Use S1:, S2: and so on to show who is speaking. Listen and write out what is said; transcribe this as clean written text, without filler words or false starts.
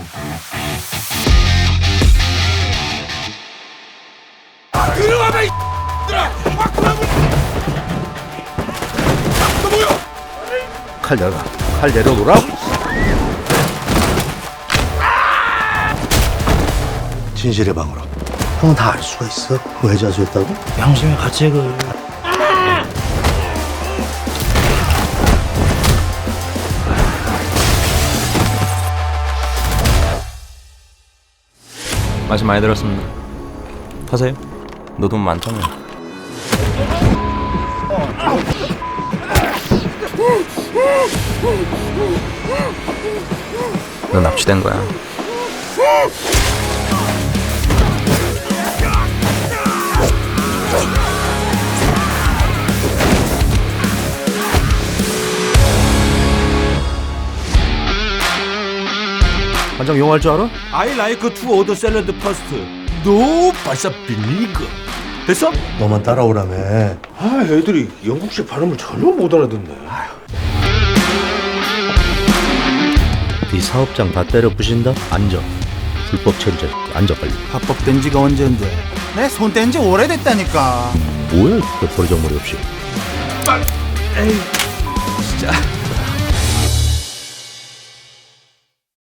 S1: 들어와봐 이 X들아! 너 뭐야?
S2: 칼 내려라. 칼 내려놓으라. 진실의 방으로. 형은 다 알 수가 있어. 왜 자수했다고?
S3: 양심의 가책을.
S4: 말씀 많이 들었습니다. 하세요. 너 돈 많다며. 너 납치된 거야.
S2: 반장 영어 할 줄 알아?
S1: I like to order salad first. No, 발사 비니거. 됐어?
S2: 너만 따라오라며.
S1: 아, 애들이 영국식 발음을 전혀 못 알아듣네.
S2: 네 사업장 다 때려 부신다? 앉아. 불법 체류자. 앉아 빨리.
S3: 합법된 지가 언젠데. 내 손 뗀 지 오래됐다니까.
S2: 뭐야? 그 버리장머리 없이.
S1: 에이, 진짜.